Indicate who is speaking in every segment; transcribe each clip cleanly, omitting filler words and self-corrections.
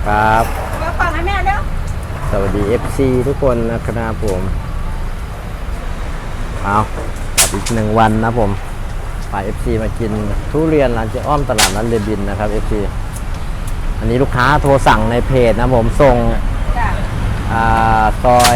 Speaker 1: ครับ
Speaker 2: เดี๋ยวฟังให้แม่เร็ว
Speaker 1: สวัสดี FC ทุกคนนะครับผมเอากับอีก1 วันนะผมพา FC มากินทุเรียนร้านเจ๊อ้อมตลาดนัดเรบินนะครับ FC อันนี้ลูกค้าโทรสั่งในเพจนะผมส่งซอย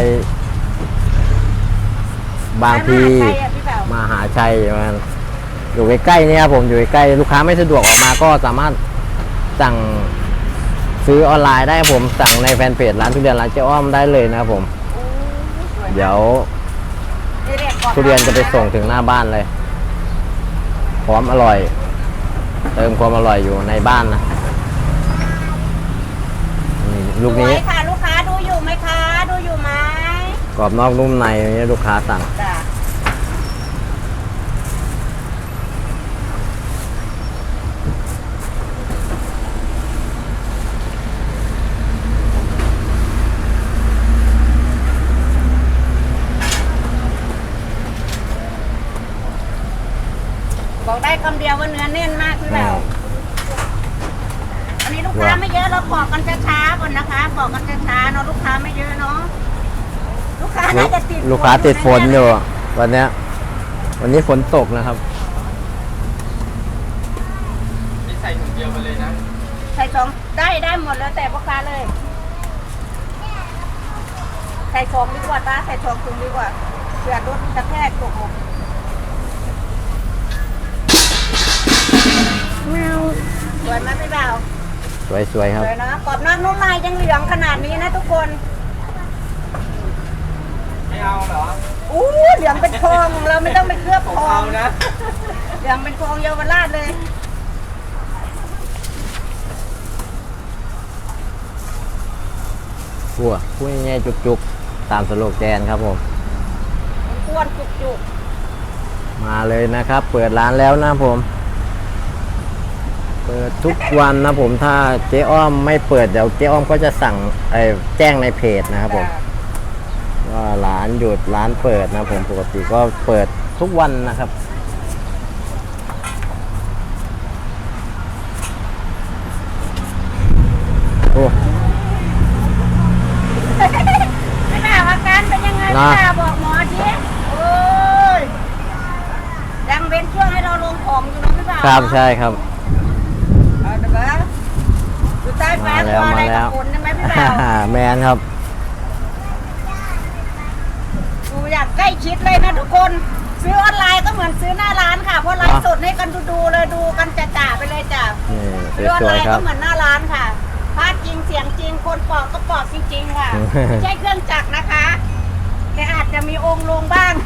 Speaker 1: บางพีมหาชัยมันอยู่ใกล้ๆเนี่ยผมอยู่ใกล้ลูกค้าไม่สะดวกออกมาก็สามารถสั่งซื้อออนไลน์ได้ผมสั่งในแฟนเพจร้านทุเรียนร้านเจ๊อ้อมได้เลยนะครับผมเดี๋ยวทุเรียนจะไปส่งถึงหน้าบ้านเลยพร้อมอร่อยเติมความอร่อยอยู่ในบ้านนะลูกนี้
Speaker 2: ค่ะลูกค้าดูอยู่ไหมคะดูอยู่ไหม
Speaker 1: กรอบนอกนุ่มในนี้ลูกค้าสั่ง
Speaker 2: บอกได้คำเดียวว่าเนื้อแน่นมากพี่แบบอันนี้ลูกค้าไม่เยอะเราปอกกันช้าๆก่อนนะคะปอกกันช้าๆเนาะลูกค้าไม่เยอะเนาะลูกค้าน่าจะติด
Speaker 1: ลูกค้าติดฝนอยู่วันนี้ฝนตกนะครับ
Speaker 3: นี่ใส่ถุงเดียวไปเลยนะ
Speaker 2: ใส่2ได้หมดแล้วแต่พ่อค้าเลยใส่2ดีกว่าตาใส่2ถุงดีกว่าเผื่อรถกระแทกตกหมดสวยไหมพี่บ่าว
Speaker 1: สวยครับ
Speaker 2: สวยนะกรอบนอกนุ่มในยังเหลืองขนาดนี้นะทุกคน
Speaker 3: ไม่เอาเหรอ
Speaker 2: เหลืองเป็นทองเราไม่ต้องไปเคลือบทอง
Speaker 3: นะ
Speaker 2: เหลืองเป็นทองเยาวราชเลย
Speaker 1: พูดง่ายๆจุกๆตามสโลแกนครับผม
Speaker 2: อ้วนจุก
Speaker 1: มาเลยนะครับเปิดร้านแล้วนะผมเปิดทุกวันนะผมถ้าเจ๊อ้อมไม่เปิดเดี๋ยวเจ๊อ้อมก็จะสั่งแจ้งในเพจนะครับผมว่าร้านหยุดร้านเปิดนะผมปกติก็เปิดทุกวันนะครับโอ้
Speaker 2: ไม่น่าอาการเป็นยังไงไม่น่าบอกหมอทีโอ้ยยังเป็นช่วงให้เราลงของอยู่นะพี่บ่าว
Speaker 1: ครับใช่ครับ
Speaker 2: ดูใต้ฟ้าตัวอะไรกับฝนใช่ไหมพี่บ่าว
Speaker 1: แมนครับ
Speaker 2: ดูอยากใกล้ชิดเลยนะทุกคนซื้อออนไลน์ก็เหมือนซื้อหน้าร้านค่ะเพราะไลฟ์สดให้กันดูเลยดูกันจ่าไปเลยจ้ะซื้อออนไลน์ก็เหมือนหน้าร้านค่ะภาพจริงเสียงจริงคนปอกก็ปอกจริงๆค่ะไม่ใช่เครื่องจักรนะคะแต่อาจจะมีองค์ลงบ้าง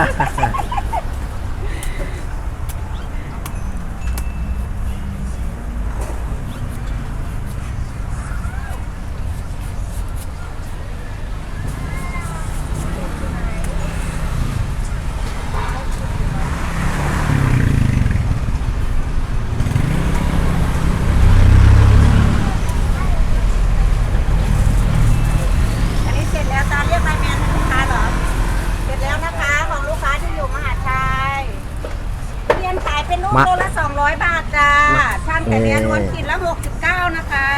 Speaker 2: โลละ200 บาทจ้าช่างแต่เรียนวันกินละ69นะคะ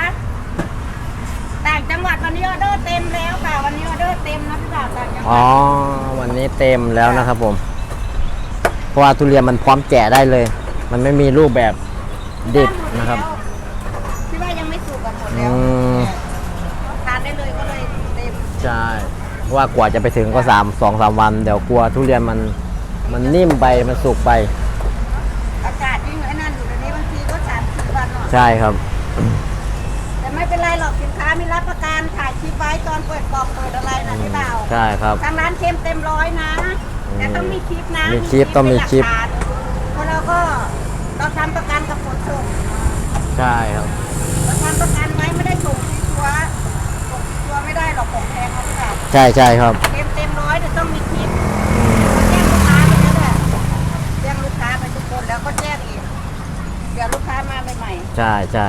Speaker 2: ต่างจังหวัดวันนี้ออเดอร์เต็มแล้วค่ะวันนี้ออเดอร์เต็มนะพี่บ่าวต่างจังหวัด
Speaker 1: วันนี้เต็มแล้วนะครับผมเพราะว่าทุเรียนมันพร้อมแกะได้เลยมันไม่มีรูปแบบดิบนะครับ
Speaker 2: พี่ว่ายังไม่สุกกันหมดแล้วทานได้เลยก็เลยเต็ม
Speaker 1: ใช่ว่ากว่าจะไปถึงก็2-3 วันเดี๋ยวกลัวทุเรียนมันนิ่มไปมันสุกไป
Speaker 2: อากาศยิ่งไอ้นั่นอยู่ในนี้บางทีก็3-4 วันหน่อย
Speaker 1: ใช่ครับ
Speaker 2: แต่ไม่เป็นไรหรอกสินค้ามีรับประกันถ่ายคลิปไว้ตอนเปิดกล่องเปิดอะไรนะพี่บ่าว
Speaker 1: ใช่ครับ
Speaker 2: ทางร้านเค็มเต็ม100นะแต่ต้องมีคลิปนะ
Speaker 1: มีคลิปต้องมีคลิป
Speaker 2: เพราะเราทำประกันกับขนส่ง
Speaker 1: ใช่ครับ
Speaker 2: เราทำประกันไว้ไม่ได้ส่งตัวไม่ได้หรอกของแพงเขาไม่ได้
Speaker 1: ใช่ครับ
Speaker 2: เต็ม100แต่ต้องมีคลิปแจ้งลูกค้าไปแล้วแหละแจ้งลูกค้าไปทุกคนแล้วก็แจ้งอีกเดี๋ยวลูกค้ามาใหม่
Speaker 1: ใช่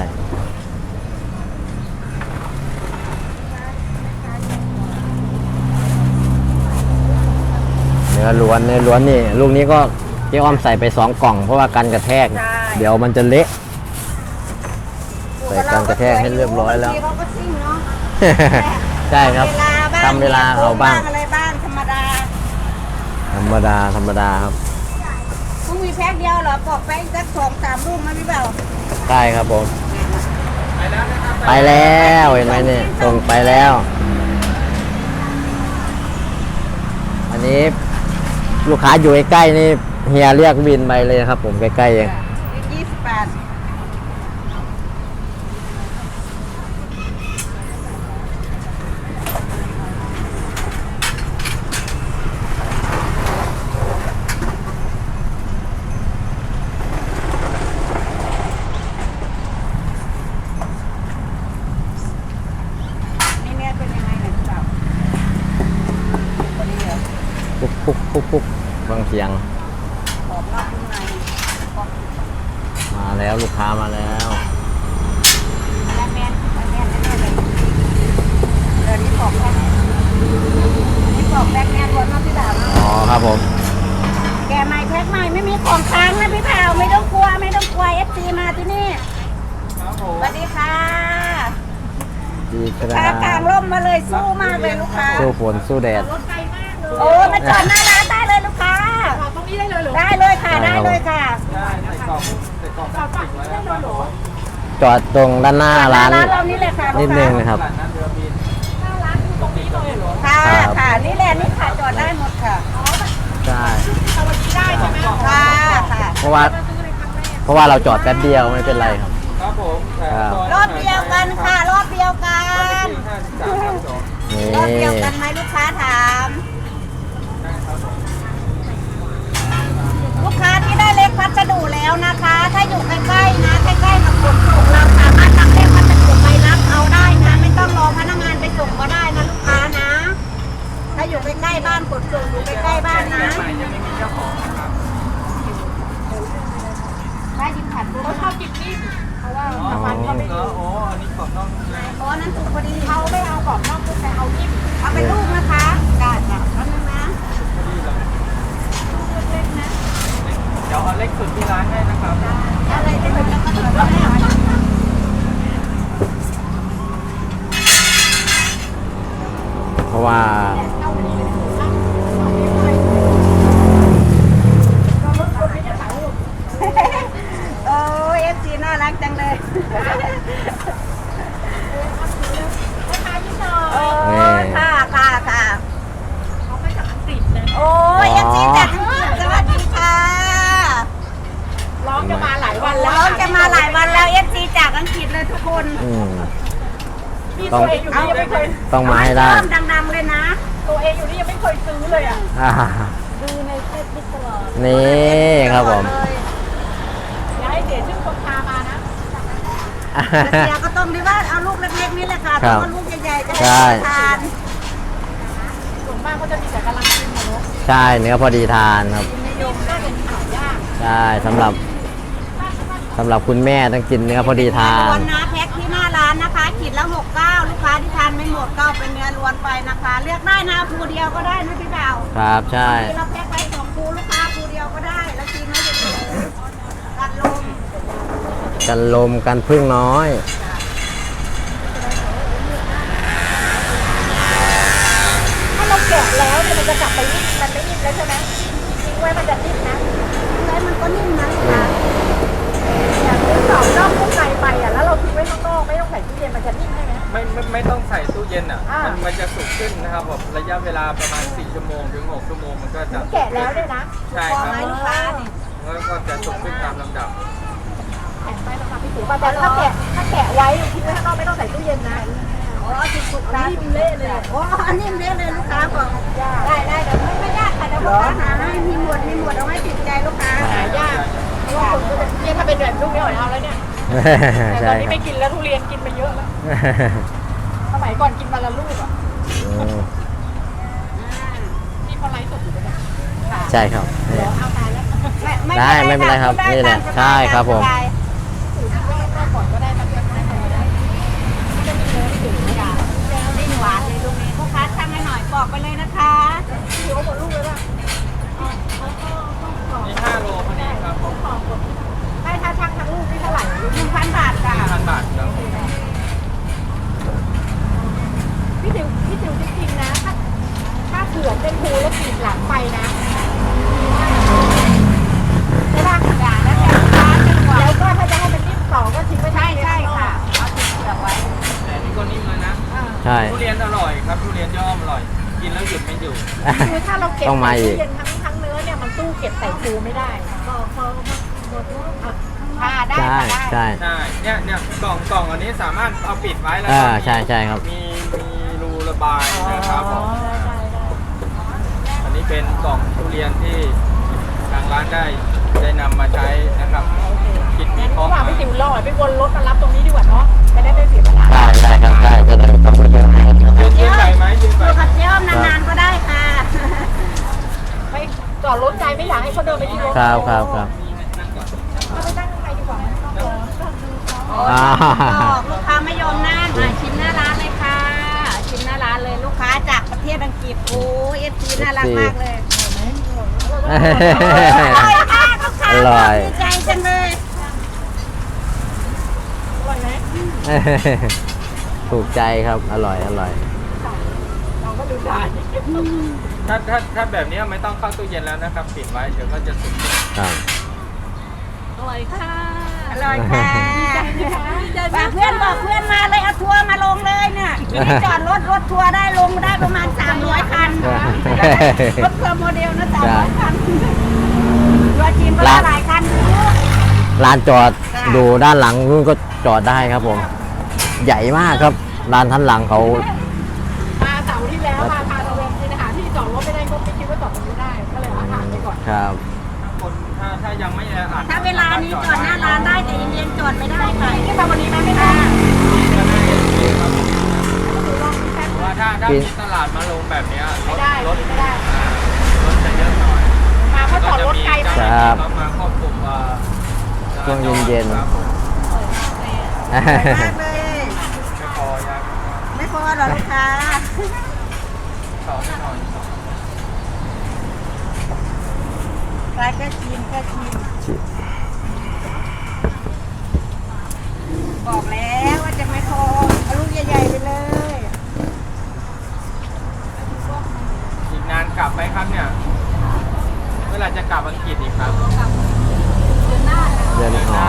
Speaker 1: เนื้อล้วนนี่ลูกนี้ก็เจ๊อ้อมใส่ไป2 กล่องเพราะว่ากันกระแทกเดี๋ยวมันจะเละไปใส่กันกระแทกให้เรียบร้อยแล้ว
Speaker 2: บางทีเขาก็ซิ่งเนาะ
Speaker 1: ใช่ครับทำเวลาเขาบ้าง
Speaker 2: อะไรบ้างธรรมดา
Speaker 1: ธรรมดาธรรมดาครับ
Speaker 2: มึงมีแพ็คเดียวเหรอปอกแป้งสัก2-3 ลูกไหมพี่เบา
Speaker 1: ได้ครับผม
Speaker 3: ไปแล้วนะครับ
Speaker 1: ไปแล้วเห็นไหมเนี่ยส่งไปแล้ว อันนี้ลูกค้าอยู่ใกล้ๆนี่เฮียเรียกวินไปเลยครับ ผมใกล้ๆเอง
Speaker 2: 20 บาท นี่เนี่ยเป็นยังไงเนี่ยพี่เบาพอดีเหรอ
Speaker 1: ปุ๊บปุ๊บปุ๊บปุ๊บฟังเสียง
Speaker 2: ขอบนอกนุ่มในขอบ
Speaker 1: มาแล้วลูกค้ามาแล้ว
Speaker 2: แมนเลยเดี๋ยวนี้ขอบแพ็คนี่ขอบแพ็คแมนรวมนะพี่บ่าวเนาะ
Speaker 1: อ๋อครับผม
Speaker 2: แกใหม่แพ็คใหม่ไม่มีของค้างนะพี่บ่าวไม่ต้องกลัวไม่ต้องกลัว FC มาที่นี่
Speaker 3: ครับผ
Speaker 2: ส
Speaker 3: ม
Speaker 2: วัสดีค่ะ
Speaker 1: ดีค
Speaker 2: ค้า
Speaker 1: รับ
Speaker 2: กลางร่มมาเลยสู้มากเลยลูกค้า
Speaker 1: สู้ฝนสู้แดด
Speaker 2: โอ้มาจอดหน้าร้านได้เลยลูกค้าตรงนี้ได้เลยเหรอได้เลยค่ะได้เลยค่ะ
Speaker 3: ได้ใส่กล่องพลาสติกไว้แล้วครับผม
Speaker 1: จอดตรงด้านหน้าร้าน
Speaker 2: เรานี่เลยค่ะ
Speaker 1: นิ
Speaker 2: ลู
Speaker 1: ด
Speaker 2: ก
Speaker 1: นึ
Speaker 2: ค้าง
Speaker 1: นะครับ
Speaker 3: ตลาดนัดเรือบิน
Speaker 2: ค่ะ
Speaker 1: ครับ
Speaker 2: ค่ะนี่แหละนี่ค่ะจอดได้หมดค่ะ
Speaker 1: ใช่
Speaker 2: ได้ใช่ไหมค่ะค่ะ
Speaker 1: เพราะว่าเราจอดแป๊บเดียวไม่เป็นไรครับ
Speaker 3: ครับผมแถม
Speaker 1: ครับ
Speaker 3: ซย
Speaker 2: รอบเดียวกันค่ะรอบเดียวกัน
Speaker 3: ที่53ครับผม
Speaker 1: นี่
Speaker 2: รอบเดียวกันไหมลูกค้าถาม
Speaker 3: ได้ครับผม
Speaker 2: ลูกค้าที่ได้เลขพัสดุแล้วนะคะ ถ้าอยู่ใกล้ๆนะใกล้ๆกับขนส่งเราสามารถนำเลขพัสดุไปรับเอาได้นะ ไม่ต้องรอพนักงานไปส่งก็ได้นะลูกค้านะ ถ้าอยู่ใกล้ๆบ้านขนส่งอยู่ใกล้ๆบ้านนะ
Speaker 3: ใหม่ยังไม่มีเจ้าของนะครับ
Speaker 2: ได้ยินผัดเขาชอบกินนิ่มเพราะว่า
Speaker 3: อ๋อโอ้อันนี้กรอบนอกนุ่มใน
Speaker 2: เพราะนั้นถูกพอดีเขาไม่เอากรอบนอกลูกแต่เอานิ่มเอาเป็นลูกนะคะได้ค่ะแล้วนึงนะลูกเล็กๆนะ
Speaker 3: เดี๋ยวเอาเล็กสุดที่ร้านให้นะครับ
Speaker 2: อะไรที่มันจะกระตุ้นแล้วแม่
Speaker 1: เพราะว่า
Speaker 2: โอ้ยFC น่ารักจังเลยโอ้ยค่ะค่ะค่ะเขาไปจากอังกฤษนะโอ้ย FC จากอังกฤษสวัสดีค่ะ
Speaker 1: ร้องจะมาหลายวัน
Speaker 2: ร้องจะมาหลายวันแล้ว FC จากอังกฤษเลยทุกคน
Speaker 1: ต้อง
Speaker 2: ตัวเองอยู่นี่ยังไม่เคย
Speaker 1: ต้องมาให้ได้
Speaker 2: เริ่มดังๆเลยนะ
Speaker 4: ตัวเองอยู่นี่ยังไม่เคยซื้อเลยอ่ะ
Speaker 1: อ่า
Speaker 2: ดูในเฟซบุ๊กตลอด
Speaker 1: นี่ครับผม
Speaker 4: อย่าให้เสียชื่อคนพามานะ
Speaker 2: แต่เสียก็ต้องดีว่าเอาลูกเล็กๆนี่แหละค่ะ
Speaker 1: ครั
Speaker 2: ต้
Speaker 1: บ
Speaker 2: องลูกใหญ่ๆจะ
Speaker 1: ใช่
Speaker 2: ได้ทาน
Speaker 4: ส่วนมากก็จะมีแต่กำลังกินนะเนาะ
Speaker 1: ใช่เนื้อพอดีทานครับ
Speaker 4: นิยมน่าจะหายาก
Speaker 1: ใช่สำหรับคุณแม่ต้องกินเนื้อพอดีทา
Speaker 2: ล้วน นนะแพ็คที่หน้าร้านนะคะขีดละ69ลูกค้าที่ทานไม่หมดก็เอาเป็นเนื้อล้วนไปนะคะ เลือกได้นะภูเดียวก็ได้นะพี่บ่าว
Speaker 1: ครับใช่
Speaker 2: ทีเราแพ็คไว้2ภูลูกค้าภูเดียวก็ได้แล้วกินไม่เยอะๆกัดลม
Speaker 1: กันลมกันพึ่งน้อย
Speaker 4: ถ้าเราแกะแล้วเนี่ยมันจะกลับไปนิ่มมันไม่นิ่มแล้วใช่ไหมทิ้งไว้มันจะนิ่มนะ
Speaker 2: แล้วมันก็นิ่มนะลูกค้า
Speaker 4: อย่างที่สองนอกข้างในไปอ่ะแล้วเราทิ้งไว้ข้างนอกไม่ต้องใส่ตู้เย็นมันจะนิ่มใช่ไหม
Speaker 3: ไม่ต้องใส่ตู้เย็นอ่ะ
Speaker 4: อ่ามั
Speaker 3: มันจะสุกขึ้นนะครับผมระยะเวลาประมาณ4ชั่วโมงถึง6ชั่วโมงมันก็จะ
Speaker 4: แกะแล้วเนี่ยนะ
Speaker 3: ใช่
Speaker 2: พอ
Speaker 3: ครับ
Speaker 2: ไหมลูกค้านี่
Speaker 3: แล้วก็จะสุกขึ้นตามลำดับ
Speaker 4: แกะไปแล้วค่ะพี่ถือแต่ถ้าแกะไว้ทิ้งไว้ข้างนอกไม่ต้องใส่ตู้เย็นนะ
Speaker 2: อ๋อสุกๆครับ
Speaker 4: นิ่มเละเลย
Speaker 2: โอ้อันนี้เละเลยลูกค้าบอกได้เดี๋ยวไม่ยากค่ะเดี๋ยวลูกค้าหาให้มีหมวดเอาให้ติดใจลูกค้า
Speaker 4: หายากเพราะว่าคนก็จะเนี่ยถ้าเป็นแบบลูกเนี่ยเอาแล้วเนี่ยแต่ต
Speaker 1: ใช่
Speaker 4: อนนี้
Speaker 1: ครั
Speaker 4: ไม่
Speaker 1: บ
Speaker 4: กินแล้วทุเรียนกินไปเยอะแล้วสมัยก่อนกินวันละลูกอ่ะ
Speaker 1: อืม
Speaker 4: นี่เขาไลฟ์สดอยู่ด้วยนะ
Speaker 1: ใช่ครับนี่
Speaker 4: เอาตายแล้ว
Speaker 1: ได้ไม่เป็นไรครับนี่แหละใช่ครับผม
Speaker 4: ถือที่ว่ารอบก่อนก็ได้ตะเกียบได้ก็ได้จะมีเนื้อถือค่ะ
Speaker 2: ดิ้นหวานเลยลูกนี้ลูกค้าช่างให้หน่อยบอกไปเลยนะคะ
Speaker 4: ถือว่าหมดลูกเลยป่ะ
Speaker 3: นี่5โลพอดีครับผม
Speaker 4: ให้ถ้าช่างทั้งลูกนี่เท่าไหร่
Speaker 2: 1,000 บาทค่ะ
Speaker 3: 5,000 บาทครับ
Speaker 4: ถ
Speaker 1: ใช่
Speaker 3: ทุเรียนอร่อยครับทุเรียนย่อมอร่อย กินแล้วหยุดไม่อยู่
Speaker 4: คือถ้าเราเก็บ
Speaker 1: ต้องมา
Speaker 4: ใส่
Speaker 1: อี
Speaker 4: ตู้
Speaker 1: ก
Speaker 4: เย็นทั้งเนื้อเนี่ยมันตู้เก็บใส่ฟูไม่ได้ก็เขา
Speaker 2: ค่ะได้
Speaker 1: ใช่
Speaker 2: ค่ะได้
Speaker 1: ใช่
Speaker 3: ใช่เนี่ยกล่องอันนี้สามารถเอาปิดไว้แล้ว
Speaker 1: ใช่ใช่ครับ
Speaker 3: มีรูระบายนะครับผม
Speaker 4: ได้
Speaker 3: อันนี้เป็นกล่องทุเรียนที่ทางร้านได้นำมาใช้นะครับคิดมี
Speaker 4: งั้น
Speaker 3: ข้อ
Speaker 4: ระหว่าง
Speaker 3: มา
Speaker 4: พี่ติ๋วรอไปวนรถมารับตรงนี้ดีกว่าเนาะจะได้ไม่เสียเวลา
Speaker 1: ใช่ใช่ครับใช่จะได้ไม่ต้องไปเดินทางครับ
Speaker 3: ยืนไปไหมยืนไป
Speaker 2: อยู่กับเจ๊อ้อมนานๆก็ได้ค่ะ
Speaker 4: ไม่จอดรถไกลไม่อยากให้เขาเดินไปที่รถ
Speaker 1: ครับครับครับ
Speaker 4: เอาไปนั่งข้างในดีกว่าไม่ต้องรอ
Speaker 1: อ่า
Speaker 2: บอกลูกค้าไม่ยอมนั่งมาชิมหน้าร้านเลยค่ะ ชิมหน้าร้านเลยลูกค้าจากประเทศอังกฤษโอ้เอฟซีน่ารักมากเลยอร่อยค่ะลูกค้า
Speaker 1: อร่อย
Speaker 2: ดีใจจังเลย
Speaker 4: อร่อยไหม
Speaker 1: ถูกใจครับอร่อยอร่อย
Speaker 4: เราก็ดูได้
Speaker 3: ถ้าแบบนี้ไม่ต้องเข้าตู้เย็นแล้วนะครับปิดไว้เดี๋ยวก็จะสุก
Speaker 1: ครับ
Speaker 4: อร่อยค่ะ
Speaker 2: อร่อยค่ะบอกเพื่อนบอกเพื่อนมาเลยเอาทัวร์มาลงเลยเนี่ยที่จอดรถทัวร์ได้ลงได้ประมาณ300คันรถทัวร์โมเดลนะ300คันตัวจริงก็ได้หลายคันอยู่
Speaker 1: ลานจอดดูด้านหลังนู่นก็จอดได้ครับผม ใหญ่มากครับลานท่านหลังเขา
Speaker 4: มาเสาร์ที่แล้วมาพาตะเวนกินอาหารที่จอดรถไม่ได้ก็ไม่คิดว่าจอดตรงนี้ได้ก็เลยเอาผ่านไปก่อน
Speaker 1: ครับ
Speaker 3: คนถ้ายังไม่แออัด
Speaker 2: ถ้าเวลานี้จอดหน้าร้านได้แต่เย็นๆจอดไม่ได้ค่ะ
Speaker 4: ที่ทำวันนี้ไหมไม่ได้
Speaker 3: เพราะว่าถ้ามีตลาดมาลงแบบเนี้ยร
Speaker 4: ไม่
Speaker 3: ถ
Speaker 4: ได้
Speaker 3: รถ
Speaker 4: ไม่ได้
Speaker 3: รถจะเยอะหน่อย
Speaker 4: มาเพราะจอดรถไกลมาก
Speaker 1: ครับ
Speaker 3: มาควบคุม
Speaker 1: ช่วงเย็นๆ
Speaker 3: ครับผม
Speaker 2: สวยมากเลย
Speaker 3: ไม่พอยัง
Speaker 2: ไม่พอหรอลูกค้า
Speaker 3: สองไม่หน่อย
Speaker 2: ใครก็ชิมก็ชิมบอกแล้วว่าจะไม่พอเอาลูกใหญ่ๆไปเลย
Speaker 3: อีกนานกลับไหมครับเนี่ยเมื่อไหร่จะกลับอังกฤษอีกครับ
Speaker 1: เดินอ๋อ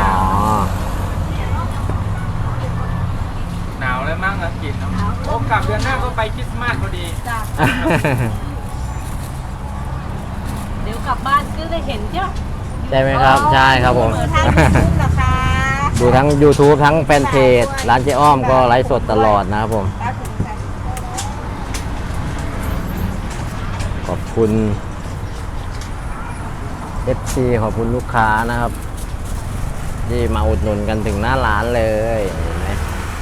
Speaker 3: หนาวเลยมั้งอังกฤษเนาะโอ้กลับเดือนหน้าก็ไปคริสต์มาสพอดี
Speaker 4: เดี๋ยวกลับบ้านก็ได้เห็นใช่ไหม
Speaker 1: ใช่ไหมครับใช่ครับผม
Speaker 2: เปิดทางยูทูบเหรอคะ
Speaker 1: ดูทั้ง YouTube ทั้งแฟนเพจร้านเจ๊อ้อมก็ไลฟ์สดตลอดนะครับผม
Speaker 2: ครับผมค่ะ
Speaker 1: ขอบคุณ FC ขอบคุณลูกค้านะครับ ที่มาอุดหนุนกันถึงหน้าร้านเลยเห็นไหม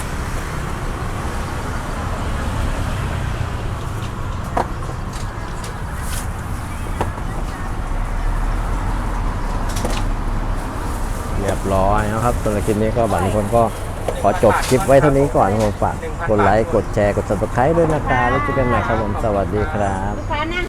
Speaker 1: เรียบร้อยนะครับสำหรับคลิปนี้ก็บัตรคนก็ขอจบคลิปไว้เท่านี้ก่อนผมฝากกดไลค์กดแชร์กด subscribe ด้วยนะครับแล้วเจอกันใหม่ครับผมสวัสดีครับ
Speaker 2: ลูกค้านั่ง